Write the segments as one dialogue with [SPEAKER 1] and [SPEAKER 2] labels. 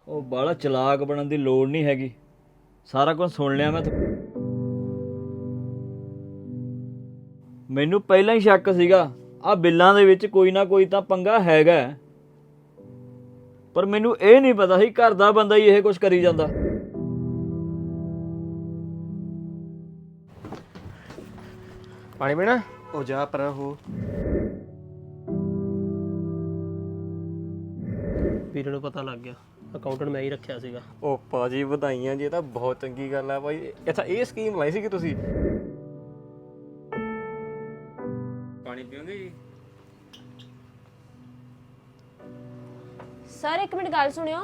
[SPEAKER 1] ਉਹ ਬਾਹਲਾ ਚਲਾਕ ਬਣਨ ਦੀ ਲੋੜ ਨਹੀਂ ਹੈਗੀ। ਸਾਰਾ ਕੁਝ ਸੁਣ ਲਿਆ ਮੈਂ। ਮੈਨੂੰ ਪਹਿਲਾਂ ਹੀ ਸ਼ੱਕ ਸੀਗਾ ਆ ਬਿੱਲਾਂ ਦੇ ਵਿੱਚ ਕੋਈ ਨਾ ਕੋਈ ਤਾਂ ਪੰਗਾ ਹੈਗਾ, ਪਰ ਮੈਨੂੰ ਇਹ ਨਹੀਂ ਪਤਾ ਸੀ ਘਰ ਦਾ ਬੰਦਾ ਹੀ ਇਹ ਕੁਝ ਕਰੀ ਜਾਂਦਾ।
[SPEAKER 2] ਪਾਣੀ ਪੀਣਾ?
[SPEAKER 3] ਉਹ ਜਾ ਪਰਾਂ ਹੋ।
[SPEAKER 2] ਵੀਰੇ ਨੂੰ ਪਤਾ ਲੱਗ ਗਿਆ, ਅਕਾਊਂਟੈਂਟ ਮੈਂ ਹੀ ਰੱਖਿਆ ਸੀਗਾ।
[SPEAKER 3] ਉਹ ਭਾਜੀ ਵਧਾਈਆਂ ਜੀ, ਇਹ ਤਾਂ ਬਹੁਤ ਚੰਗੀ ਗੱਲ ਆ ਭਾਈ। ਅੱਛਾ ਇਹ ਸਕੀਮ ਲਾਈ ਸੀ ਕਿ ਤੁਸੀਂ? ਪਾਣੀ ਪੀਓਗੇ ਜੀ?
[SPEAKER 4] ਸਰ ਇੱਕ ਮਿੰਟ ਗੱਲ ਸੁਣਿਓ।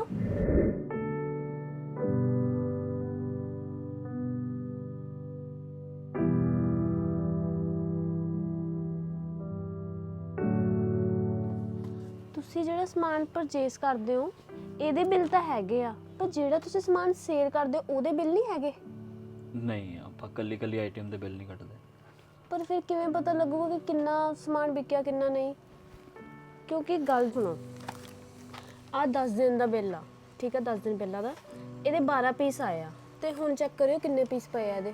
[SPEAKER 4] ਤੁਸੀਂ ਜਿਹੜਾ ਸਮਾਨ ਪਰਚੇਸ ਕਰਦੇ ਹੋ ਇਹਦੇ ਬਿੱਲ ਤਾਂ ਹੈਗੇ ਆ, ਪਰ ਜਿਹੜਾ ਤੁਸੀਂ ਸਮਾਨ ਸੇਲ ਕਰਦੇ ਹੋ ਉਹਦੇ ਬਿੱਲ ਨਹੀਂ ਹੈਗੇ।
[SPEAKER 1] ਨਹੀਂ, ਆਪਾਂ ਕੱਲੀ ਕੱਲੀ ਆਈਟਮ ਦੇ ਬਿੱਲ ਨਹੀਂ ਕੱਟਦੇ।
[SPEAKER 4] ਪਰ ਫਿਰ ਕਿਵੇਂ ਪਤਾ ਲੱਗੂਗਾ ਕਿ ਕਿੰਨਾ ਸਮਾਨ ਵਿਕਿਆ ਕਿੰਨਾ ਨਹੀਂ? ਕਿਉਂਕਿ ਗੱਲ ਸੁਣੋ, ਆ 10 ਦਿਨ ਦਾ ਬਿੱਲ ਆ, ਠੀਕ ਆ, 10 ਦਿਨ ਪਹਿਲਾਂ ਦਾ, ਇਹਦੇ 12 ਪੀਸ ਆਏ ਆ, ਤੇ ਹੁਣ ਚੈੱਕ ਕਰਿਓ ਕਿੰਨੇ ਪੀਸ ਪਏ ਆ ਇਹਦੇ।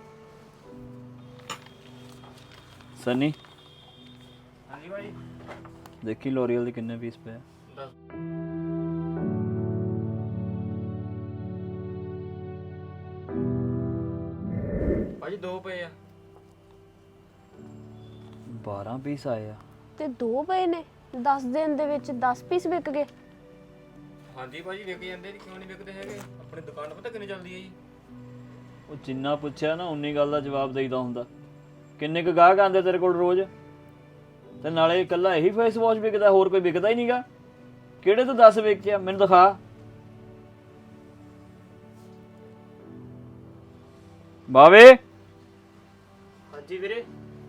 [SPEAKER 1] ਸਨੀ
[SPEAKER 3] ਹਾਂਜੀ ਭਾਜੀ।
[SPEAKER 1] ਦੇਖੀ ਲੋਰੀਅਲ ਦੇ ਕਿੰਨੇ ਪੀਸ ਪਏ ਆ?
[SPEAKER 3] ਭਾਜੀ 2 ਪਏ ਆ।
[SPEAKER 1] 12 ਪੀਸ ਆਏ ਆ
[SPEAKER 4] ਤੇ 2 ਪਏ ਨੇ 10 ਦਿਨ ਦੇ ਵਿੱਚ 10 ਪੀਸ ਵਿਕ ਗਏ।
[SPEAKER 3] ਹਾਂਜੀ ਭਾਜੀ ਵਿਕ ਜਾਂਦੇ ਜੀ, ਕਿਉਂ ਨਹੀਂ ਵਿਕਦੇ ਹੈਗੇ? ਆਪਣੀ ਦੁਕਾਨ ਪਤਾ ਕਿੰਨੀ ਚੱਲਦੀ ਹੈ ਜੀ।
[SPEAKER 1] ਉਹ ਜਿੰਨਾ ਪੁੱਛਿਆ ਨਾ ਉਨੀ ਗੱਲ ਦਾ ਜਵਾਬ ਦੇਈਦਾ ਹੁੰਦਾ। ਕਿੰਨੇ ਕੁ ਗਾਹਕ ਆਉਂਦੇ ਤੇਰੇ ਕੋਲ ਰੋਜ਼? ਤੇ ਨਾਲੇ ਇਕੱਲਾ ਇਹੀ ਫੇਸ ਵਾਸ਼ ਵਿਕਦਾ, ਹੋਰ ਕੋਈ ਵਿਕਦਾ ਹੀ ਨਹੀਂਗਾ? ਕਿਹੜੇ ਤੋਂ 10 ਵੇਚਿਆ ਮੈਨੂੰ ਦਿਖਾ। ਬਾਵੇ
[SPEAKER 2] ਹਾਂਜੀ ਵੀਰੇ।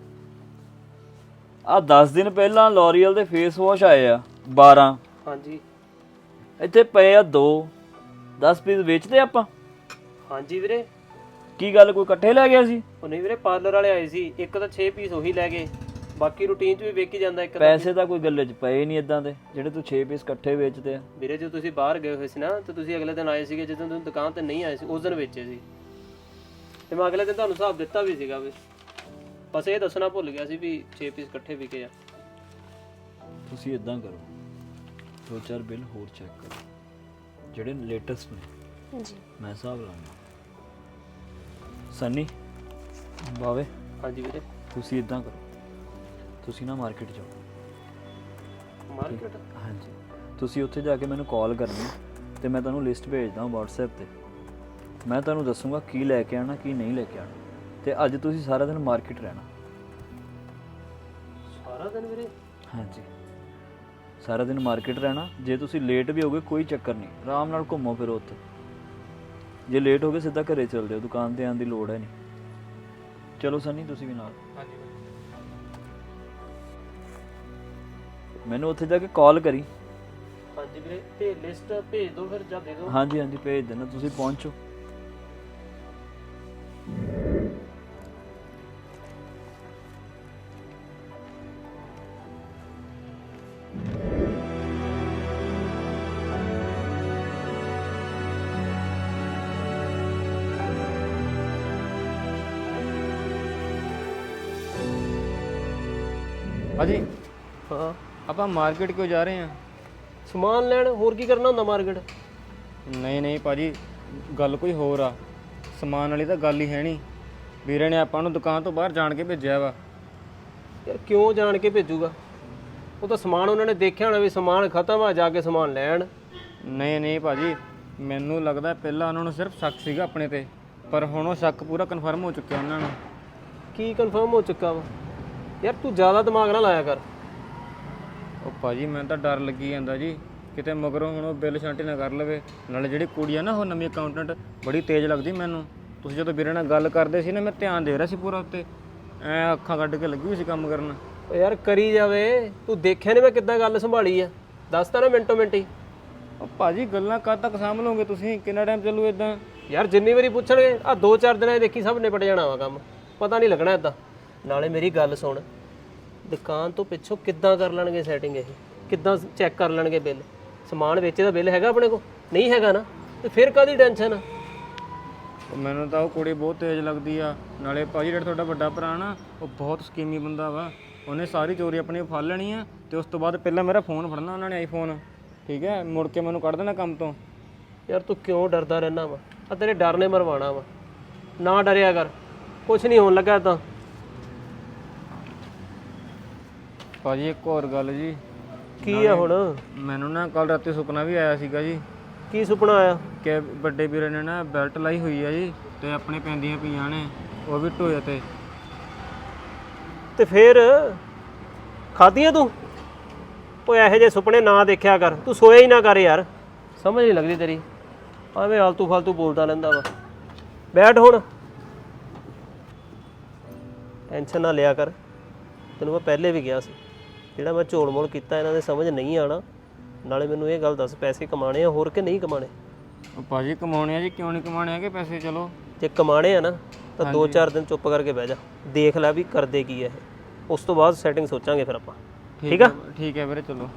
[SPEAKER 1] ਆ 10 ਦਿਨ ਪਹਿਲਾਂ ਲੋਰੀਅਲ ਦੇ ਫੇਸ ਵਾਸ਼ ਆਏ ਆ 12।
[SPEAKER 2] ਹਾਂਜੀ
[SPEAKER 1] ਇੱਥੇ ਪਏ ਆ 2। 10 ਪੀਸ ਵੇਚਦੇ ਆਪਾਂ?
[SPEAKER 2] ਹਾਂਜੀ ਵੀਰੇ।
[SPEAKER 1] ਕੀ ਗੱਲ, ਕੋਈ ਇਕੱਠੇ ਲੈ ਗਿਆ ਸੀ?
[SPEAKER 2] ਉਹ ਨਹੀਂ ਵੀਰੇ, ਪਾਰਲਰ ਵਾਲੇ ਆਏ ਸੀ, ਇੱਕ ਤਾਂ 6 ਪੀਸ ਉਹੀ ਲੈ ਗਏ, ਬਾਕੀ ਰੂਟੀਨ 'ਚ ਵੀ ਵੇਚ ਹੀ ਜਾਂਦਾ ਇੱਕ।
[SPEAKER 1] ਪੈਸੇ ਤਾਂ ਕੋਈ ਗੱਲੇ 'ਚ ਪਏ ਨਹੀਂ ਇਦਾਂ ਦੇ ਜਿਹੜੇ ਤੂੰ 6 ਪੀਸ ਇਕੱਠੇ ਵੇਚਦੇ ਆ।
[SPEAKER 2] ਵੀਰੇ ਜਦੋਂ ਤੁਸੀਂ ਬਾਹਰ ਗਏ ਹੋਏ ਸੀ ਨਾ, ਤੇ ਤੁਸੀਂ ਅਗਲੇ ਦਿਨ ਆਏ ਸੀਗੇ, ਜਦੋਂ ਤੁਸੀਂ ਦੁਕਾਨ ਤੇ ਨਹੀਂ ਆਏ ਸੀ ਉਸ ਦਿਨ ਵੇਚੇ ਸੀ, ਤੇ ਮੈਂ ਅਗਲੇ ਦਿਨ ਤੁਹਾਨੂੰ ਹਿਸਾਬ ਦਿੱਤਾ ਵੀ ਸੀਗਾ ਵੀ। ਬਸ ਇਹ ਦੱਸਣਾ ਭੁੱਲ ਗਿਆ ਸੀ ਵੀ 6 ਪੀਸ ਇਕੱਠੇ ਵਿਕੇ ਆ।
[SPEAKER 1] ਤੁਸੀਂ ਇਦਾਂ ਕਰੋ, 2-4 ਬਿੱਲ ਹੋਰ ਚੈੱਕ ਕਰੋ ਜਿਹੜੇ ਲੇਟੈਸਟ ਨੇ,
[SPEAKER 4] ਜੀ
[SPEAKER 1] ਮੈਂ ਹਿਸਾਬ ਲਾਉਂਗਾ। ਸਨੀ, ਬਾਵੇ,
[SPEAKER 2] ਹਾਂਜੀ ਵੀਰੇ।
[SPEAKER 1] ਤੁਸੀਂ ਇਦਾਂ ਕਰੋ, ਤੁਸੀਂ ਨਾ ਮਾਰਕੀਟ ਜਾਓ।
[SPEAKER 2] ਮਾਰਕੀਟ?
[SPEAKER 1] ਹਾਂਜੀ, ਤੁਸੀਂ ਉੱਥੇ ਜਾ ਕੇ ਮੈਨੂੰ ਕਾਲ ਕਰਨੀ ਤੇ ਮੈਂ ਤੁਹਾਨੂੰ ਲਿਸਟ ਭੇਜਦਾ WhatsApp ਤੇ। ਮੈਂ ਤੁਹਾਨੂੰ ਦੱਸੂਗਾ ਕੀ ਲੈ ਕੇ ਆਣਾ ਕੀ ਨਹੀਂ ਲੈ ਕੇ ਆਣਾ। ਤੇ ਅੱਜ ਤੁਸੀਂ ਸਾਰਾ ਦਿਨ ਮਾਰਕੀਟ ਰਹਿਣਾ।
[SPEAKER 2] ਸਾਰਾ ਦਿਨ ਵੀਰੇ?
[SPEAKER 1] ਹਾਂਜੀ, ਸਾਰਾ ਦਿਨ ਮਾਰਕੀਟ ਰਹਿਣਾ। ਜੇ ਤੁਸੀਂ ਲੇਟ ਵੀ ਹੋਗੇ ਕੋਈ ਚੱਕਰ ਨਹੀਂ, ਆਰਾਮ ਨਾਲ ਘੁੰਮੋ ਫਿਰੋ ਉੱਥੇ। ਜੇ ਲੇਟ ਹੋ ਗਏ ਸਿੱਧਾ ਘਰੇ ਚੱਲ ਜਾਓ, ਦੁਕਾਨ ਤੇ ਆਉਣ ਦੀ ਲੋੜ ਹੈ ਨਹੀਂ। ਚਲੋ ਸਨੀ ਤੁਸੀਂ ਵੀ ਨਾਲ।
[SPEAKER 3] ਹਾਂਜੀ ਭਾਜੀ।
[SPEAKER 1] ਮੈਨੂੰ ਉੱਥੇ ਜਾ ਕੇ ਕਾਲ ਕਰੀ।
[SPEAKER 2] ਹਾਂਜੀ ਵੀਰੇ, ਤੇ ਲਿਸਟ ਭੇਜ ਦਿਓ ਫਿਰ ਜਾਂ ਦੇ ਦਿਓ।
[SPEAKER 1] ਹਾਂਜੀ ਹਾਂਜੀ ਭੇਜ ਦੇਣਾ, ਤੁਸੀਂ ਪਹੁੰਚੋ।
[SPEAKER 3] ਭਾਜੀ
[SPEAKER 2] ਹਾਂ,
[SPEAKER 3] ਆਪਾਂ ਮਾਰਕੀਟ ਕਿਉਂ ਜਾ ਰਹੇ ਹਾਂ?
[SPEAKER 2] ਸਮਾਨ ਲੈਣ, ਹੋਰ ਕੀ ਕਰਨਾ ਹੁੰਦਾ ਮਾਰਕੀਟ?
[SPEAKER 3] ਨਹੀਂ ਨਹੀਂ ਭਾਜੀ, ਗੱਲ ਕੋਈ ਹੋਰ ਆ। ਸਮਾਨ ਵਾਲੀ ਤਾਂ ਗੱਲ ਹੀ ਹੈ ਨਹੀਂ। ਵੀਰੇ ਨੇ ਆਪਾਂ ਨੂੰ ਦੁਕਾਨ ਤੋਂ ਬਾਹਰ ਜਾਣ ਕੇ ਭੇਜਿਆ ਵਾ।
[SPEAKER 2] ਯਾਰ ਕਿਉਂ ਜਾਣ ਕੇ ਭੇਜੂਗਾ? ਉਹ ਤਾਂ ਸਮਾਨ ਉਹਨਾਂ ਨੇ ਦੇਖਿਆ ਹੋਣਾ ਵੀ ਸਮਾਨ ਖਤਮ ਆ, ਜਾ ਕੇ ਸਮਾਨ ਲੈਣ।
[SPEAKER 3] ਨਹੀਂ ਨਹੀਂ ਭਾਜੀ, ਮੈਨੂੰ ਲੱਗਦਾ ਪਹਿਲਾਂ ਉਹਨਾਂ ਨੂੰ ਸਿਰਫ ਸ਼ੱਕ ਸੀਗਾ ਆਪਣੇ ਤੇ, ਪਰ ਹੁਣ ਉਹ ਸ਼ੱਕ ਪੂਰਾ ਕਨਫਰਮ ਹੋ ਚੁੱਕਿਆ ਉਹਨਾਂ ਨੂੰ।
[SPEAKER 2] ਕੀ ਕਨਫਰਮ ਹੋ ਚੁੱਕਾ ਵਾ? ਯਾਰ ਤੂੰ ਜ਼ਿਆਦਾ ਦਿਮਾਗ ਨਾ ਲਾਇਆ ਕਰ।
[SPEAKER 3] ਉਹ ਭਾਜੀ ਮੈਨੂੰ ਤਾਂ ਡਰ ਲੱਗੀ ਜਾਂਦਾ ਜੀ, ਕਿਤੇ ਮਗਰੋਂ ਹੁਣ ਉਹ ਬਿੱਲ ਛਾਂਟੀ ਨਾ ਕਰ ਲਵੇ। ਨਾਲੇ ਜਿਹੜੀ ਕੁੜੀ ਆ ਨਾ ਉਹ ਨਵੀਂ ਅਕਾਊਂਟੈਂਟ, ਬੜੀ ਤੇਜ਼ ਲੱਗਦੀ ਮੈਨੂੰ। ਤੁਸੀਂ ਜਦੋਂ ਵੀਰੇ ਨਾਲ ਗੱਲ ਕਰਦੇ ਸੀ ਨਾ, ਮੈਂ ਧਿਆਨ ਦੇ ਰਿਹਾ ਸੀ ਪੂਰਾ ਉੱਤੇ, ਐ ਅੱਖਾਂ ਕੱਢ ਕੇ ਲੱਗੀ ਹੋਈ ਸੀ ਕੰਮ ਕਰਨ।
[SPEAKER 2] ਓ ਯਾਰ ਕਰੀ ਜਾਵੇ, ਤੂੰ ਦੇਖਿਆ ਨਹੀਂ ਮੈਂ ਕਿੱਦਾਂ ਗੱਲ ਸੰਭਾਲੀ ਆ? ਦੱਸ ਤਾ ਨਾ ਮਿੰਟੋ ਮਿੰਟ ਹੀ।
[SPEAKER 3] ਉਹ ਭਾਜੀ ਗੱਲਾਂ ਕਦ ਤੱਕ ਸਾਂਭ ਲਓਗੇ ਤੁਸੀਂ? ਕਿੰਨਾ ਟਾਈਮ ਚੱਲੂ ਇਦਾਂ?
[SPEAKER 2] ਯਾਰ ਜਿੰਨੀ ਵਾਰੀ ਪੁੱਛਣਗੇ, ਆ 2-4 ਦਿਨਾਂ 'ਚ ਦੇਖੀ ਸਭ ਨਿਪਟ ਜਾਣਾ ਵਾ ਕੰਮ, ਪਤਾ ਨਹੀਂ ਲੱਗਣਾ ਇਦਾਂ। ਨਾਲੇ ਮੇਰੀ ਗੱਲ ਸੁਣ, ਦੁਕਾਨ ਤੋਂ ਪਿੱਛੋਂ ਕਿੱਦਾਂ ਕਰ ਲੈਣਗੇ ਸੈਟਿੰਗ? ਇਹ ਕਿੱਦਾਂ ਚੈੱਕ ਕਰ ਲੈਣਗੇ ਬਿੱਲ? ਸਮਾਨ ਵੇਚੇ ਦਾ ਬਿੱਲ ਹੈਗਾ ਆਪਣੇ ਕੋਲ? ਨਹੀਂ ਹੈਗਾ ਨਾ। ਤੇ ਫਿਰ ਕਾਹਦੀ ਟੈਨਸ਼ਨ?
[SPEAKER 3] ਉਹ ਮੈਨੂੰ ਤਾਂ ਉਹ ਕੁੜੀ ਬਹੁਤ ਤੇਜ਼ ਲੱਗਦੀ ਆ। ਨਾਲੇ ਭਾਜੀ ਜਿਹੜਾ ਤੁਹਾਡਾ ਵੱਡਾ ਭਰਾ ਨਾ, ਉਹ ਬਹੁਤ ਸਕੀਮੀ ਬੰਦਾ ਵਾ। ਉਹਨੇ ਸਾਰੀ ਚੋਰੀ ਆਪਣੀ ਫੜ ਲੈਣੀ ਆ ਤੇ ਉਸ ਤੋਂ ਬਾਅਦ ਪਹਿਲਾਂ ਮੇਰਾ ਫੋਨ ਫੜਨਾ ਉਹਨਾਂ ਨੇ, ਆਈਫੋਨ, ਠੀਕ ਹੈ, ਮੁੜ ਕੇ ਮੈਨੂੰ ਕੱਢ ਦੇਣਾ ਕੰਮ ਤੋਂ।
[SPEAKER 2] ਯਾਰ ਤੂੰ ਕਿਉਂ ਡਰਦਾ ਰਹਿਣਾ ਵਾ? ਆ ਤੇਰੇ ਡਰ ਨੇ ਮਰਵਾਣਾ ਵਾ। ਨਾ ਡਰਿਆ ਕਰ, ਕੁਝ ਨਹੀਂ ਹੋਣ ਲੱਗਾ ਤਾਂ।
[SPEAKER 3] ਭਾਜੀ ਇੱਕ ਹੋਰ ਗੱਲ ਜੀ।
[SPEAKER 2] ਕੀ ਆ ਹੁਣ?
[SPEAKER 3] ਮੈਨੂੰ ਨਾ ਕੱਲ ਰਾਤੀ ਸੁਪਨਾ ਵੀ ਆਇਆ ਸੀਗਾ ਜੀ
[SPEAKER 2] ਕੀ ਸੁਪਨਾ ਆਇਆ?
[SPEAKER 3] ਕਿ ਵੱਡੇ ਵੀਰੇ ਨੇ ਨਾ ਬੈਲਟ ਲਾਈ ਹੋਈ ਆ ਜੀ ਤੇ ਆਪਣੇ ਪੈਂਦੀਆਂ ਪਈਆਂ ਨੇ, ਉਹ ਵੀ ਢੋਏ
[SPEAKER 2] ਤੇ ਫਿਰ ਖਾਧੀਆਂ ਤੂੰ? ਓਏ ਇਹੋ ਜਿਹੇ ਸੁਪਨੇ ਨਾ ਦੇਖਿਆ ਕਰ, ਤੂੰ ਸੋਇਆ ਹੀ ਨਾ ਕਰ ਯਾਰ। ਸਮਝ ਨਹੀਂ ਲੱਗਦੀ ਤੇਰੀ, ਐਵੇਂ ਆਲਤੂ ਫਾਲਤੂ ਬੋਲਦਾ ਰਹਿੰਦਾ ਵਾ। ਬੈਠ ਹੁਣ, ਟੈਨਸ਼ਨ ਨਾ ਲਿਆ ਕਰ। ਤੈਨੂੰ ਮੈਂ ਪਹਿਲੇ ਵੀ ਕਿਹਾ ਸੀ, ਜਿਹੜਾ ਮੈਂ ਝੋਲ ਮੋਲ ਕੀਤਾ ਇਹਨਾਂ ਦੇ ਸਮਝ ਨਹੀਂ ਆਣਾ। ਨਾਲੇ ਮੈਨੂੰ ਇਹ ਗੱਲ ਦੱਸ, ਪੈਸੇ ਕਮਾਣੇ ਆ ਹੋਰ ਕਿ ਨਹੀਂ ਕਮਾਣੇ?
[SPEAKER 3] ਉਹ ਭਾਜੀ ਕਮਾਉਣੇ ਆ ਜੀ, ਕਿਉਂ ਨਹੀਂ ਕਮਾਉਣੇ ਹੈਗੇ ਪੈਸੇ? ਚਲੋ
[SPEAKER 2] ਜੇ ਕਮਾਣੇ ਆ ਨਾ ਤਾਂ 2-4 ਦਿਨ ਚੁੱਪ ਕਰਕੇ ਬਹਿ ਜਾ, ਦੇਖ ਲੈ ਵੀ ਕਰਦੇ ਕੀ ਆ ਇਹ। ਉਸ ਤੋਂ ਬਾਅਦ ਸੈਟਿੰਗ ਸੋਚਾਂਗੇ ਫਿਰ ਆਪਾਂ, ਠੀਕ ਆ?
[SPEAKER 3] ਠੀਕ ਹੈ ਵੀਰੇ, ਚਲੋ।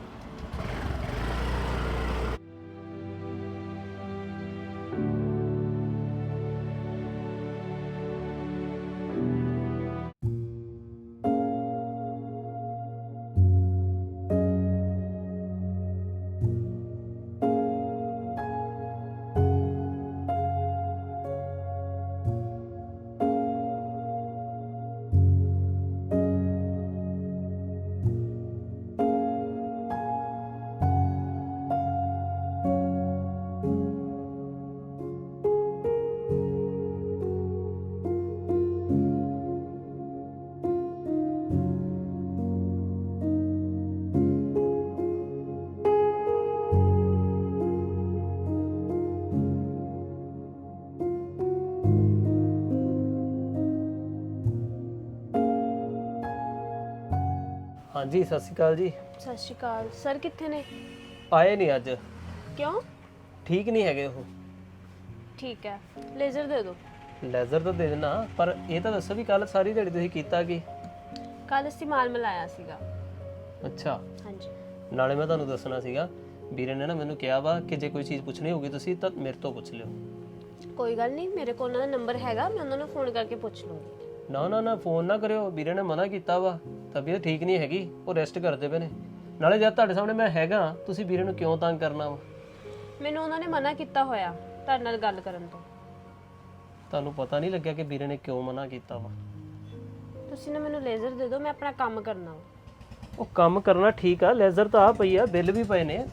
[SPEAKER 2] ਹਾਂਜੀ, ਸਤਿ ਸ਼੍ਰੀ ਅਕਾਲ ਜੀ।
[SPEAKER 4] ਸਤਿ ਸ਼੍ਰੀ ਅਕਾਲ ਸਰ, ਕਿੱਥੇ ਨੇ?
[SPEAKER 2] ਆਏ ਨਹੀਂ ਅੱਜ,
[SPEAKER 4] ਕਿਉਂ?
[SPEAKER 2] ਠੀਕ ਨਹੀਂ ਹੈਗੇ ਉਹ।
[SPEAKER 4] ਠੀਕ ਹੈ, ਲੇਜ਼ਰ ਦੇ ਦਿਓ।
[SPEAKER 2] ਲੈਜ਼ਰ ਤਾਂ ਦੇ ਦੇਣਾ, ਪਰ ਇਹ ਤਾਂ ਦੱਸੋ ਵੀ ਕੱਲ ਸਾਰੀ ਦਿਹਾੜੀ ਤੁਸੀਂ ਕੀਤਾ ਕੀ?
[SPEAKER 4] ਕੱਲ ਅਸੀਂ ਮਾਲ ਮਿਲਾਇਆ ਸੀਗਾ।
[SPEAKER 2] ਅੱਛਾ,
[SPEAKER 4] ਹਾਂਜੀ।
[SPEAKER 2] ਨਾਲੇ ਮੈਂ ਤੁਹਾਨੂੰ ਦੱਸਣਾ ਸੀਗਾ, ਵੀਰੇ ਨੇ ਨਾ ਮੈਨੂੰ ਕਿਹਾ ਵਾ ਕਿ ਜੇ ਕੋਈ ਚੀਜ਼ ਪੁੱਛਣੀ ਹੋਊਗੀ ਤੁਸੀਂ ਤਾਂ ਮੇਰੇ ਤੋਂ ਪੁੱਛ ਲਿਓ।
[SPEAKER 4] ਕੋਈ ਗੱਲ ਨਹੀਂ, ਮੇਰੇ ਕੋਲ ਉਹਨਾਂ ਦਾ ਨੰਬਰ ਹੈਗਾ, ਮੈਂ ਉਹਨਾਂ ਨੂੰ ਫੋਨ ਕਰਕੇ ਪੁੱਛ ਲੂੰਗੀ।
[SPEAKER 2] ਨਾ ਨਾ ਨਾ, ਫੋਨ ਨਾ ਕਰਿਓ, ਵੀਰੇ ਨੇ ਮਨਾ ਕੀਤਾ ਵਾ। ਤਬੀਅਤ ਠੀਕ ਨਹੀਂ ਹੈਗੀ, ਉਹ ਰੈਸਟ ਕਰਦੇ ਪਏ ਨੇ। ਨਾਲੇ ਜਦ ਤੁਹਾਡੇ ਸਾਹਮਣੇ ਮੈਂ ਹੈਗਾ, ਤੁਸੀਂ ਵੀਰੇ ਨੂੰ ਕਿਉਂ ਤੰਗ ਕਰਨਾ ਵਾ?
[SPEAKER 4] ਮੈਨੂੰ ਉਹਨਾਂ ਨੇ ਮਨਾ ਕੀਤਾ ਹੋਇਆ ਤੁਹਾਡੇ ਨਾਲ ਗੱਲ ਕਰਨ ਤੋਂ।
[SPEAKER 2] ਤੁਹਾਨੂੰ ਪਤਾ ਨਹੀਂ ਲੱਗਿਆ ਕਿ ਵੀਰੇ ਨੇ ਕਿਉਂ ਮਨਾ ਕੀਤਾ ਵਾ?
[SPEAKER 4] ਤੁਸੀਂ ਨਾ ਮੈਨੂੰ ਲੇਜ਼ਰ ਦੇ ਦਿਓ, ਮੈਂ ਆਪਣਾ ਕੰਮ ਕਰਨਾ ਵਾ।
[SPEAKER 2] ਉਹ ਕੰਮ ਕਰਨਾ ਠੀਕ ਆ, ਲੈਜ਼ਰ ਤਾਂ ਆ ਪਈ ਆ, ਬਿੱਲ ਵੀ ਪਏ ਨੇ।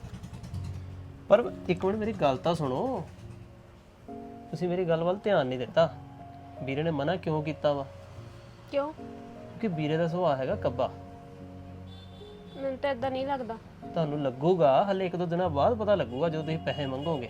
[SPEAKER 2] ਪਰ ਇੱਕ ਮਿੰਟ ਮੇਰੀ ਗੱਲ ਤਾਂ ਸੁਣੋ, ਤੁਸੀਂ ਮੇਰੀ ਗੱਲ ਵੱਲ ਧਿਆਨ ਨਹੀਂ ਦਿੱਤਾ। ਵੀਰੇ ਨੇ ਮਨਾ ਕਿਉਂ ਕੀਤਾ ਵਾ?
[SPEAKER 4] ਕਿਉਂ?
[SPEAKER 2] ਕਿਉਂਕਿ ਵੀਰੇ ਦਾ ਸੁਭਾਅ ਹੈਗਾ ਕੱਬਾ।
[SPEAKER 4] ਮੈਨੂੰ ਤਾਂ ਇਦਾਂ ਨਹੀਂ ਲੱਗਦਾ।
[SPEAKER 2] ਤੁਹਾਨੂੰ ਲੱਗੂਗਾ, ਹਲੇ 1-2 ਦਿਨਾਂ ਬਾਅਦ ਪਤਾ ਲੱਗੂਗਾ ਜਦੋਂ ਤੁਸੀਂ ਪੈਸੇ ਮੰਗੋਗੇ।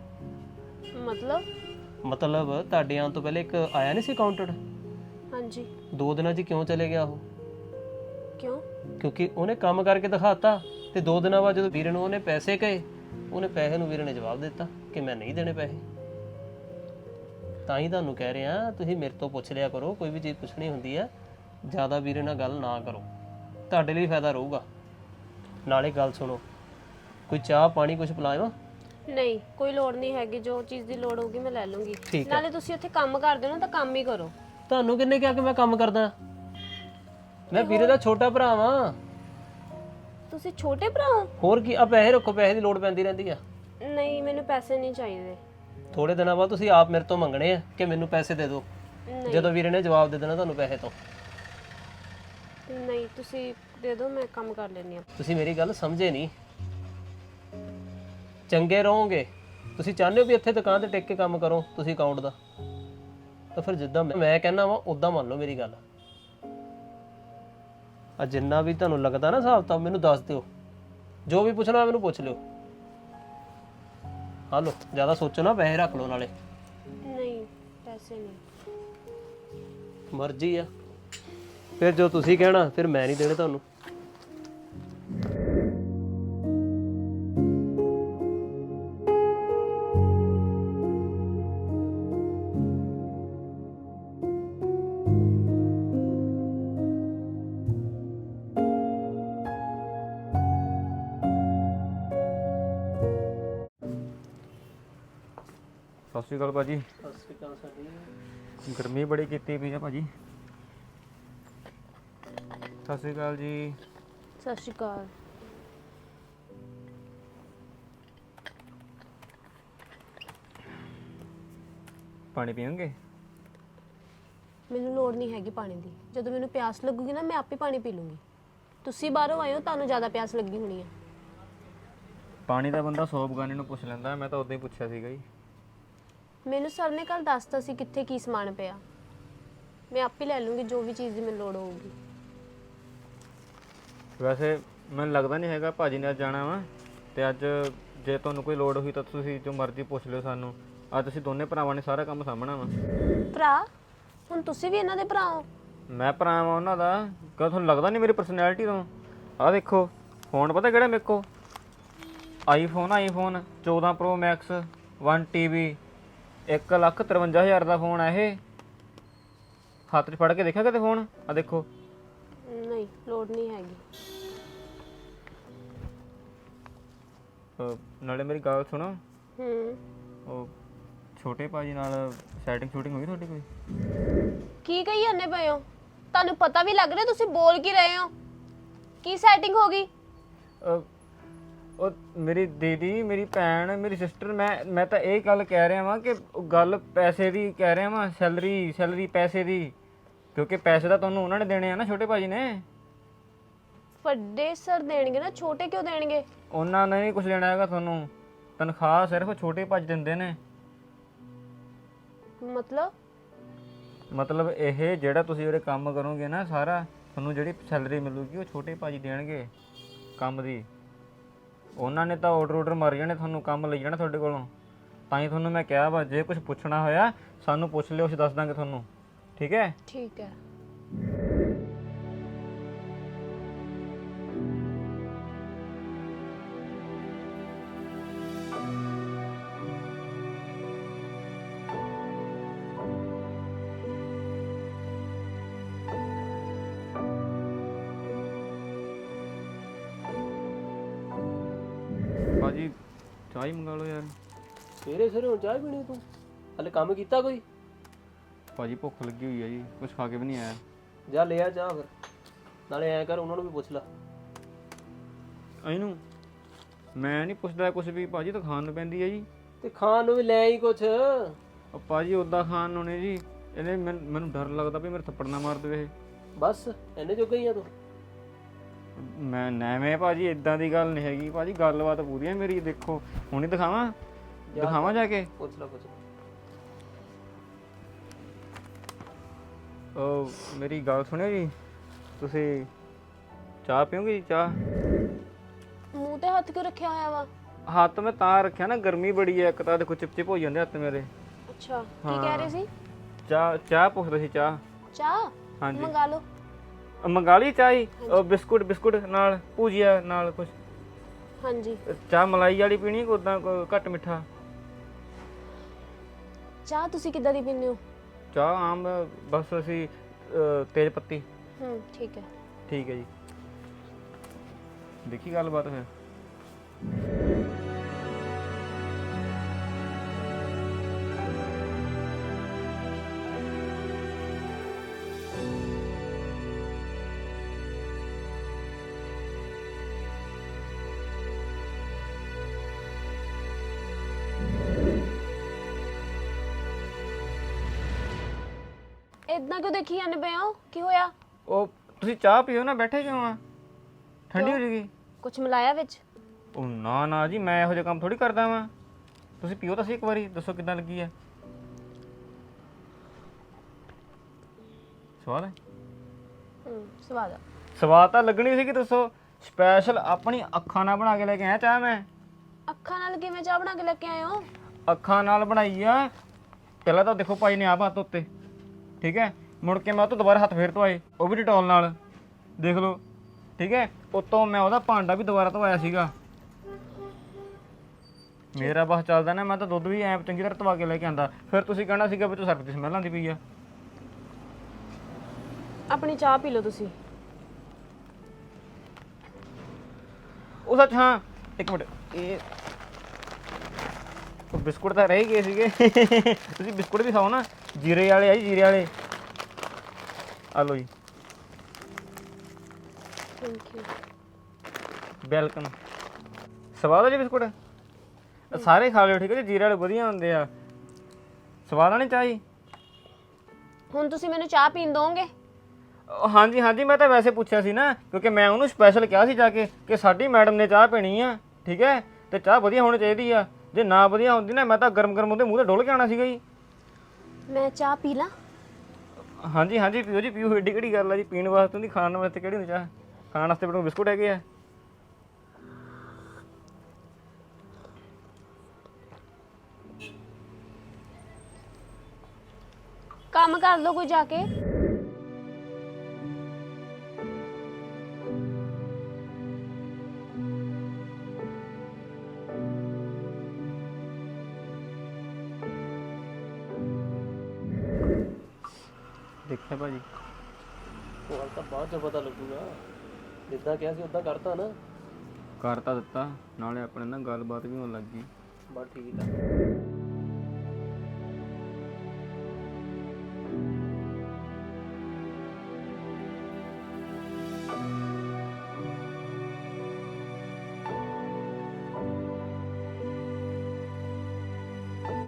[SPEAKER 2] ਮਤਲਬ ਤੁਹਾਡੇ ਆਉਣ ਤੋਂ ਪਹਿਲੇ ਇੱਕ ਆਇਆ ਨਹੀਂ ਸੀ ਅਕਾਊਂਟੈਂਟ?
[SPEAKER 4] ਹਾਂਜੀ।
[SPEAKER 2] 2 ਦਿਨਾਂ 'ਚ ਕਿਉਂ ਚਲੇ ਗਿਆ ਉਹ?
[SPEAKER 4] ਕਿਉਂ?
[SPEAKER 2] ਕਿਉਂਕਿ ਉਹਨੇ ਕੰਮ ਕਰਕੇ ਦਿਖਾਤਾ, ਤੇ 2 ਦਿਨਾਂ ਬਾਅਦ ਜਦੋਂ ਵੀਰੇ ਨੂੰ ਉਹਨੇ ਪੈਸੇ ਕਹੇ, ਉਹਨੇ ਪੈਸੇ ਨੂੰ ਵੀਰੇ ਨੇ ਜਵਾਬ ਦਿੱਤਾ ਕਿ ਮੈਂ ਨਹੀਂ ਦੇਣੇ ਪੈਸੇ। ਤਾਂ ਹੀ ਤੁਹਾਨੂੰ ਕਹਿ ਰਿਹਾ, ਤੁਸੀਂ ਮੇਰੇ ਤੋਂ ਪੁੱਛ ਲਿਆ ਕਰੋ, ਕੋਈ ਵੀ ਚੀਜ਼ ਪੁੱਛਣੀ ਹੁੰਦੀ ਆ, ਜ਼ਿਆਦਾ ਵੀਰੇ ਨਾਲ ਗੱਲ ਨਾ ਕਰੋ, ਤੁਹਾਡੇ ਲਈ ਫਾਇਦਾ ਰਹੂਗਾ। ਨਾਲੇ ਗੱਲ ਸੁਣੋ, ਕੋਈ ਚਾਹ ਪਾਣੀ ਕੁਝ ਪਿਲਾਵਾਂ?
[SPEAKER 4] ਨਹੀਂ, ਕੋਈ ਲੋੜ ਨਹੀਂ ਹੈਗੀ, ਜੋ ਚੀਜ਼ ਦੀ ਲੋੜ ਹੋਊਗੀ ਮੈਂ ਲੈ ਲੂੰਗੀ।
[SPEAKER 2] ਠੀਕ ਹੈ।
[SPEAKER 4] ਨਾਲੇ ਤੁਸੀਂ ਉੱਥੇ ਕੰਮ ਕਰਦੇ ਹੋ ਨਾ, ਤਾਂ ਕੰਮ ਹੀ ਕਰੋ।
[SPEAKER 2] ਤੁਹਾਨੂੰ ਕਿੰਨੇ ਕਿਹਾ ਕਿ ਮੈਂ ਕੰਮ ਕਰਦਾ? ਮੈਂ ਵੀਰੇ ਦਾ ਛੋਟਾ ਭਰਾ ਵਾਂ।
[SPEAKER 4] ਤੁਸੀਂ ਛੋਟੇ ਭਰਾ ਹੋ?
[SPEAKER 2] ਹੋਰ ਕੀ, ਆ ਪੈਸੇ ਰੱਖੋ, ਪੈਸੇ ਦੀ ਲੋੜ ਪੈਂਦੀ ਰਹਿੰਦੀ ਆ।
[SPEAKER 4] ਨਹੀਂ, ਮੈਨੂੰ ਪੈਸੇ ਨਹੀਂ ਚਾਹੀਦੇ।
[SPEAKER 2] ਥੋੜੇ ਦਿਨਾਂ ਬਾਅਦ ਤੁਸੀਂ ਆਪ ਮੇਰੇ ਤੋਂ ਮੰਗਣੇ ਆ ਕਿ ਮੈਨੂੰ ਪੈਸੇ ਦੇ ਦਿਓ, ਜਦੋਂ ਵੀਰੇ ਨੇ ਜਵਾਬ ਦੇ ਦੇਣਾ ਤੁਹਾਨੂੰ ਪੈਸੇ ਤੋਂ।
[SPEAKER 4] ਨਹੀਂ, ਤੁਸੀਂ ਦੇ ਦਿਓ, ਮੈਂ ਕੰਮ ਕਰ ਲੈਣੀ ਆ।
[SPEAKER 2] ਤੁਸੀਂ ਮੇਰੀ ਗੱਲ ਸਮਝੇ ਨਹੀਂ। ਚੰਗੇ ਰਹੋਗੇ, ਤੁਸੀਂ ਚਾਹੁੰਦੇ ਹੋ ਵੀ ਇੱਥੇ ਦੁਕਾਨ ਤੇ ਟਿਕ ਕੇ ਕੰਮ ਕਰੋ ਤੁਸੀਂ ਅਕਾਊਂਟ ਦਾ, ਤਾਂ ਫਿਰ ਜਿੱਦਾਂ ਮੈਂ ਕਹਿੰਦਾ ਵਾਂ ਉਦਾਂ ਮੰਨ ਲਓ ਮੇਰੀ ਗੱਲ। ਆ ਜਿੰਨਾ ਵੀ ਤੁਹਾਨੂੰ ਲੱਗਦਾ ਨਾ ਹਿਸਾਬ ਤਾਂ ਮੈਨੂੰ ਦੱਸ ਦਿਓ, ਜੋ ਵੀ ਪੁੱਛਣਾ ਮੈਨੂੰ ਪੁੱਛ ਲਿਓ। ਹਾਂ ਲਓ, ਜ਼ਿਆਦਾ ਸੋਚੋ ਨਾ, ਪੈਸੇ ਰੱਖ ਲਓ ਨਾਲੇ।
[SPEAKER 4] ਨਹੀਂ, ਪੈਸੇ ਨਹੀਂ।
[SPEAKER 2] ਮਰਜ਼ੀ ਆ, ਫਿਰ ਜੋ ਤੁਸੀਂ ਕਹਿਣਾ, ਫਿਰ ਮੈਂ ਨਹੀਂ ਦੇਣੇ ਤੁਹਾਨੂੰ।
[SPEAKER 3] ਸਤਿ ਸ਼੍ਰੀ ਅਕਾਲ ਭਾਜੀ।
[SPEAKER 2] ਸਤਿ ਸ਼੍ਰੀ ਅਕਾਲ ਸਾਡੀ।
[SPEAKER 3] ਗਰਮੀ ਬੜੀ ਕੀਤੀ ਪਈ ਆ ਭਾਜੀ। ਸਤਿ ਸ਼੍ਰੀ ਅਕਾਲ ਜੀ।
[SPEAKER 4] ਸਤਿ ਸ਼੍ਰੀ ਅਕਾਲ।
[SPEAKER 3] ਪਾਣੀ ਪੀਓਗੇ?
[SPEAKER 4] ਮੈਨੂੰ ਲੋੜ ਨਹੀਂ ਹੈਗੀ ਪਾਣੀ ਦੀ। ਜਦੋਂ ਮੈਨੂੰ ਪਿਆਸ ਲੱਗੂਗੀ ਨਾ ਮੈਂ ਆਪੇ ਪਾਣੀ ਪੀ ਲੂੰਗੀ। ਤੁਸੀਂ ਬਾਹਰੋਂ ਆਏ ਹੋ, ਤੁਹਾਨੂੰ ਜ਼ਿਆਦਾ ਪਿਆਸ ਲੱਗੀ ਹੋਣੀ ਹੈ।
[SPEAKER 3] ਪਾਣੀ ਦਾ ਬੰਦਾ 100 ਬਗਾਨੇ ਨੂੰ ਪੁੱਛ ਲੈਂਦਾ, ਮੈਂ ਤਾਂ ਉਦੋਂ ਹੀ ਪੁੱਛਿਆ ਸੀਗਾ ਜੀ।
[SPEAKER 4] ਮੈਨੂੰ ਸਰ ਨੇ ਕੱਲ ਦੱਸਤਾ ਸੀ ਕਿੱਥੇ ਕੀ ਸਮਾਨ ਪਿਆ। ਮੈਂ ਆਪੇ ਲੈ ਲੂੰਗੀ ਜੋ ਵੀ ਚੀਜ਼ ਦੀ ਮੈਨੂੰ ਲੋੜ ਹੋਊਗੀ।
[SPEAKER 3] ਵੈਸੇ ਮੈਨੂੰ ਲੱਗਦਾ ਨਹੀਂ ਹੈਗਾ ਭਾਜੀ ਨੇ ਅੱਜ ਜਾਣਾ ਵਾ, ਤੇ ਅੱਜ ਜੇ ਤੁਹਾਨੂੰ ਕੋਈ ਲੋੜ ਹੋਈ ਤਾਂ ਤੁਸੀਂ ਜੋ ਮਰਜ਼ੀ ਪੁੱਛ ਲਿਓ ਸਾਨੂੰ। ਅੱਜ ਅਸੀਂ ਦੋਨੇ ਭਰਾਵਾਂ ਨੇ ਸਾਰਾ ਕੰਮ ਸਾਂਭਣਾ ਵਾ।
[SPEAKER 4] ਭਰਾ? ਹੁਣ ਤੁਸੀਂ ਵੀ ਇਹਨਾਂ ਦੇ ਭਰਾ ਹੋ?
[SPEAKER 3] ਮੈਂ ਭਰਾ ਵਾਂ ਉਹਨਾਂ ਦਾ। ਕਦੋਂ ਤੁਹਾਨੂੰ ਲੱਗਦਾ ਨਹੀਂ ਮੇਰੀ ਪਰਸਨੈਲਿਟੀ ਤੋਂ? ਆਹ ਦੇਖੋ ਫੋਨ, ਪਤਾ ਕਿਹੜਾ ਮੇਰੇ ਕੋਲ? ਆਈਫੋਨ 14 Pro Max 1 TB 1,53,000 ਦਾ ਫੋਨ ਆ ਇਹ। ਹੱਥ 'ਚ ਫੜ ਕੇ ਦੇਖਿਆ ਕਦੇ ਫੋਨ? ਆ ਦੇਖੋ।
[SPEAKER 4] ਨਹੀਂ, ਲੋੜ ਨਹੀਂ ਹੈਗੀ।
[SPEAKER 3] ਨਾਲੇ ਮੇਰੀ ਗੱਲ ਸੁਣੋ, ਉਹ ਛੋਟੇ ਭਾਜੀ ਨਾਲ ਸੈਟਿੰਗ ਸ਼ੂਟਿੰਗ ਹੋਈ ਤੁਹਾਡੀ ਕੋਈ?
[SPEAKER 4] ਕੀ ਕਹੀ ਜਾਂਦੇ ਪਏ ਹੋ? ਤੁਹਾਨੂੰ ਪਤਾ ਵੀ ਲੱਗ ਰਿਹਾ ਤੁਸੀਂ ਬੋਲ ਕੀ ਰਹੇ ਹੋ? ਕੀ ਸੈਟਿੰਗ ਹੋ ਗਈ?
[SPEAKER 3] ਉਹ ਮੇਰੀ ਦੀਦੀ, ਮੇਰੀ ਭੈਣ, ਮੇਰੀ ਸਿਸਟਰ, ਮੈਂ ਤਾਂ ਇਹ ਗੱਲ ਕਹਿ ਰਿਹਾ ਵਾਂ ਕਿ ਗੱਲ ਪੈਸੇ ਦੀ ਕਹਿ ਰਿਹਾ ਵਾਂ। ਸੈਲਰੀ ਪੈਸੇ ਦੀ, ਕਿਉਂਕਿ ਪੈਸੇ ਤਾਂ ਤੁਹਾਨੂੰ ਉਹਨਾਂ ਨੇ ਦੇਣੇ ਆ ਨਾ, ਛੋਟੇ ਭਾਜੀ ਨੇ।
[SPEAKER 4] ਵੱਡੇ ਸਰ ਦੇਣਗੇ ਨਾ, ਛੋਟੇ ਕਿਉਂ ਦੇਣਗੇ?
[SPEAKER 3] ਉਹਨਾਂ ਨੇ ਨਹੀਂ ਕੁਝ ਦੇਣਾ ਹੈਗਾ ਤੁਹਾਨੂੰ। ਤਨਖਾਹ ਸਿਰਫ ਛੋਟੇ ਭਾਜੀ ਦਿੰਦੇ ਨੇ। ਮਤਲਬ ਇਹ ਜਿਹੜਾ ਤੁਸੀਂ ਉਰੇ ਕੰਮ ਕਰੋਗੇ ਨਾ ਸਾਰਾ, ਤੁਹਾਨੂੰ ਜਿਹੜੀ ਸੈਲਰੀ ਮਿਲੂਗੀ ਉਹ ਛੋਟੇ ਭਾਜੀ ਦੇਣਗੇ ਕੰਮ ਦੀ। ਉਹਨਾਂ ਨੇ ਤਾਂ ਆਰਡਰ ਮਾਰ ਜਾਣੇ, ਤੁਹਾਨੂੰ ਕੰਮ ਲਈ ਜਾਣਾ ਤੁਹਾਡੇ ਕੋਲੋਂ। ਤਾਂ ਹੀ ਤੁਹਾਨੂੰ ਮੈਂ ਕਿਹਾ ਵਾ, ਜੇ ਕੁਝ ਪੁੱਛਣਾ ਹੋਇਆ ਸਾਨੂੰ ਪੁੱਛ ਲਿਓ, ਅਸੀਂ ਦੱਸ ਦਾਂਗੇ ਤੁਹਾਨੂੰ। ਠੀਕ ਹੈ?
[SPEAKER 4] ਠੀਕ ਹੈ।
[SPEAKER 3] ਭਾਜੀ ਚਾਹ ਹੀ ਮੰਗਾ ਲਓ ਯਾਰ।
[SPEAKER 2] ਸਵੇਰੇ ਸਵੇਰੇ ਹੁਣ ਚਾਹ ਪੀਣੀ ਤੂੰ? ਹਲੇ ਕੰਮ ਕੀਤਾ ਕੋਈ?
[SPEAKER 3] ਭਾਜੀ ਭੁੱਖ ਲੱਗੀ ਹੋਈ ਹੈ ਜੀ, ਕੁਝ ਖਾ ਕੇ ਵੀ ਨਹੀਂ ਆਇਆ।
[SPEAKER 2] ਜਾ ਲੈ ਆ ਚਾਹ ਫਿਰ। ਨਾਲੇ ਐਂ ਕਰ, ਉਹਨਾਂ ਨੂੰ ਵੀ ਪੁੱਛ ਲੈ।
[SPEAKER 3] ਇਹਨੂੰ ਮੈਂ ਨਹੀਂ ਪੁੱਛਦਾ ਕੁਝ ਵੀ ਭਾਜੀ, ਤਾਂ ਖਾਣ ਨੂੰ ਪੈਂਦੀ ਹੈ ਜੀ।
[SPEAKER 2] ਤੇ ਖਾਣ ਨੂੰ ਵੀ ਲੈ ਆਈ ਕੁਛ।
[SPEAKER 3] ਉਹ ਭਾਜੀ ਉੱਦਾਂ ਖਾਣ ਨੂੰ ਨੇ ਜੀ। ਇਹਨੇ ਮੈਨੂੰ ਡਰ ਲੱਗਦਾ ਵੀ ਮੇਰੇ ਥੱਪੜ ਨਾ ਮਾਰ ਦੇਵੇ ਇਹ।
[SPEAKER 2] ਬਸ ਇੰਨੇ ਜੋਗਾ ਹੀ ਆ ਤੂੰ?
[SPEAKER 3] ਮੈਂ ਨਵੇਂ ਭਾਜੀ, ਇਦਾਂ ਦੀ ਗੱਲ ਨਹੀਂ ਹੈਗੀ ਭਾਜੀ, ਗੱਲਬਾਤ ਪੂਰੀ ਹੈ ਮੇਰੀ। ਦੇਖੋ ਹੁਣੇ ਦਿਖਾਵਾਂ ਜਾ ਕੇ।
[SPEAKER 2] ਪੁੱਛ ਲੈ।
[SPEAKER 3] ਉਹ ਮੇਰੀ ਗੱਲ ਸੁਣਿਓ ਜੀ, ਤੁਸੀਂ ਚਾਹ ਪੀਓਗੇ ਜੀ? ਚਾਹ
[SPEAKER 4] ਮੂੰਹ ਤੇ ਹੱਥ ਕਿਉਂ ਰੱਖਿਆ ਹੋਇਆ ਵਾ?
[SPEAKER 3] ਹੱਥ ਮੈਂ ਤਾਂ ਰੱਖਿਆ ਨਾ, ਗਰਮੀ ਬੜੀ ਹੈ ਇੱਕ ਤਾਂ, ਦੇਖੋ ਚਿਪਚਿਪ ਹੋ ਜਾਂਦੇ ਹੱਥ ਮੇਰੇ।
[SPEAKER 4] ਅੱਛਾ, ਕੀ ਕਹਿ ਰਹੇ ਸੀ?
[SPEAKER 3] ਚਾਹ ਪੁੱਛਦੇ ਸੀ।
[SPEAKER 4] ਚਾਹ?
[SPEAKER 3] ਹਾਂਜੀ
[SPEAKER 4] ਮੰਗਾ ਲਓ।
[SPEAKER 3] ਮੰਗਾ ਲਈ ਚਾਹ ਹੀ? ਬਿਸਕੁਟ ਨਾਲ ਭੁਜੀਆ ਨਾਲ ਕੁਝ?
[SPEAKER 4] ਹਾਂਜੀ।
[SPEAKER 3] ਚਾਹ ਮਲਾਈ ਵਾਲੀ ਪੀਣੀ ਕਿ ਉਦਾਂ ਘੱਟ ਮਿੱਠਾ?
[SPEAKER 4] ਚਾਹ ਤੁਸੀਂ ਕਿੱਦਾਂ ਦੀ ਪੀਂਦੇ ਹੋ?
[SPEAKER 3] ਚਾਹ ਆਮ, ਬਸ ਅਸੀਂ ਤੇਜ਼ ਪੱਤੀ।
[SPEAKER 4] ਠੀਕ ਹੈ।
[SPEAKER 3] ਠੀਕ ਹੈ ਜੀ। ਦੇਖੀ ਗੱਲਬਾਤ ਫਿਰ।
[SPEAKER 4] ਇਦਾਂ ਕਿਉਂ ਦੇਖੀ ਜਾਂਦੇ ਪਏ ਹੋ? ਕੀ ਹੋਇਆ?
[SPEAKER 3] ਉਹ ਤੁਸੀਂ ਚਾਹ ਪੀਓ ਨਾ, ਬੈਠੇ ਕਿਉਂ ਆ? ਠੰਡੀ ਹੋ ਜੂਗੀ।
[SPEAKER 4] ਕੁਝ ਮਿਲਾਇਆ ਵਿੱਚ?
[SPEAKER 3] ਉਹ ਨਾ ਜੀ, ਮੈਂ ਇਹੋ ਜਿਹਾ ਕੰਮ ਥੋੜੀ ਕਰਦਾ ਵਾਂ। ਤੁਸੀਂ ਪੀਓ ਤਾਂ ਸਹੀ ਇੱਕ ਵਾਰੀ, ਦੱਸੋ ਕਿੱਦਾਂ ਲੱਗੀ ਆ? ਸਵਾਦ ਹੈ? ਸਵਾਦ ਤਾਂ ਲੱਗਣੀ ਸੀ ਕਿ ਦੱਸੋ। ਸਪੈਸ਼ਲ ਆਪਣੀ ਅੱਖਾਂ ਨਾਲ ਬਣਾ ਕੇ ਲੈ ਕੇ ਆਇਆ ਚਾਹ ਮੈਂ।
[SPEAKER 4] ਅੱਖਾਂ ਨਾਲ ਕਿਵੇਂ ਚਾਹ ਬਣਾ ਕੇ ਲੈ ਕੇ ਆਏ ਹੋ?
[SPEAKER 3] ਅੱਖਾਂ ਨਾਲ ਬਣਾਈ ਆ। ਪਹਿਲਾਂ ਤਾਂ ਦੇਖੋ ਭਾਈ ਨੇ ਆਪ ਹੱਥ ਉੱਤੇ, ਠੀਕ ਹੈ। ਮੁੜ ਕੇ ਮੈਂ ਉਹ ਤੋਂ ਦੁਬਾਰਾ ਹੱਥ ਫੇਰ ਧੋਏ, ਉਹ ਵੀ ਡਟੋਲ ਨਾਲ, ਦੇਖ ਲਓ। ਠੀਕ ਹੈ। ਉਤੋਂ ਮੈਂ ਉਹਦਾ ਭਾਂਡਾ ਵੀ ਦੁਬਾਰਾ ਧੋਇਆ ਸੀਗਾ। ਮੇਰਾ ਬਸ ਚੱਲਦਾ ਨਾ, ਮੈਂ ਤਾਂ ਦੁੱਧ ਵੀ ਐਂ ਚੰਗੀ ਤਰ੍ਹਾਂ ਧਵਾ ਕੇ ਲੈ ਕੇ ਆਂਦਾ। ਫਿਰ ਤੁਸੀਂ ਕਹਿਣਾ ਸੀਗਾ ਵੀ ਤੂੰ ਸਰਫ ਦੀ ਸਮੈਲ ਆਉਂਦੀ ਪਈ ਆ।
[SPEAKER 4] ਆਪਣੀ ਚਾਹ ਪੀ ਲਓ ਤੁਸੀਂ।
[SPEAKER 3] ਉਹ ਸੱਚ, ਹਾਂ ਇੱਕ ਮਿੰਟ, ਉਹ ਬਿਸਕੁਟ ਤਾਂ ਰਹਿ ਗਏ ਸੀਗੇ ਤੁਸੀਂ ਬਿਸਕੁਟ ਵੀ ਖਾਓ ਨਾ, ਜੀਰੇ ਵਾਲੇ ਆ ਜੀ, ਜੀਰੇ ਵਾਲੇ। ਆ ਲਓ ਜੀ,
[SPEAKER 4] ਥੈਂਕ ਯੂ।
[SPEAKER 3] ਵੈਲਕਮ। ਸਵਾਦ ਆ ਜੀ ਬਿਸਕੁਟ? ਸਾਰੇ ਖਾ ਲਿਓ ਠੀਕ ਹੈ ਜੀ, ਜੀਰੇ ਵਾਲੇ ਵਧੀਆ ਹੁੰਦੇ ਆ। ਸਵਾਦ ਆਣੀ ਚਾਹ ਜੀ?
[SPEAKER 4] ਹੁਣ ਤੁਸੀਂ ਮੈਨੂੰ ਚਾਹ ਪੀਣ ਦੋਗੇ?
[SPEAKER 3] ਹਾਂਜੀ ਹਾਂਜੀ, ਮੈਂ ਤਾਂ ਵੈਸੇ ਪੁੱਛਿਆ ਸੀ ਨਾ, ਕਿਉਂਕਿ ਮੈਂ ਉਹਨੂੰ ਸਪੈਸ਼ਲ ਕਿਹਾ ਸੀ ਜਾ ਕੇ ਕਿ ਸਾਡੀ ਮੈਡਮ ਨੇ ਚਾਹ ਪੀਣੀ ਆ, ਠੀਕ ਹੈ, ਤੇ ਚਾਹ ਵਧੀਆ ਹੋਣੀ ਚਾਹੀਦੀ ਆ। ਜੇ ਨਾ ਵਧੀਆ ਹੁੰਦੀ ਨਾ, ਮੈਂ ਤਾਂ ਗਰਮ ਗਰਮ ਉਹਦੇ ਮੂੰਹ ਤੇ ਡੋਲ ਕੇ ਆਉਣਾ ਸੀਗਾ ਜੀ।
[SPEAKER 4] ਮੈਂ ਚਾਹ ਪੀ ਲਾਂ?
[SPEAKER 3] ਹਾਂਜੀ ਹਾਂਜੀ, ਪੀਓ ਜੀ ਪੀਓ, ਏਡੀ ਕਿਹੜੀ ਗੱਲ ਆ ਜੀ, ਪੀਣ ਵਾਸਤੇ ਨਹੀਂ, ਖਾਣ ਵਾਸਤੇ ਕਿਹੜੀ ਹੁੰਦੀ ਚਾਹ? ਖਾਣ ਵਾਸਤੇ ਬੜੇ ਬਿਸਕੁਟ ਹੈਗੇ ਆ।
[SPEAKER 4] ਕੰਮ ਕਰ ਲਓ ਕੋਈ ਜਾ ਕੇ।
[SPEAKER 3] ਦੇਖਿਆ ਭਾਜੀ,
[SPEAKER 2] ਉਹ ਤਾਂ ਬਾਅਦ ਚ ਪਤਾ ਲੱਗੂਗਾ। ਜਿੱਦਾਂ ਕਿਹਾ ਸੀ ਉਦਾਂ ਕਰਤਾ ਨਾ?
[SPEAKER 3] ਕਰ ਤਾਂ ਦਿੱਤਾ, ਨਾਲੇ ਆਪਣੇ ਨਾਲ ਗੱਲਬਾਤ ਵੀ ਹੋਣ ਲੱਗ ਗਈ।
[SPEAKER 2] ਬਸ ਠੀਕ ਆ।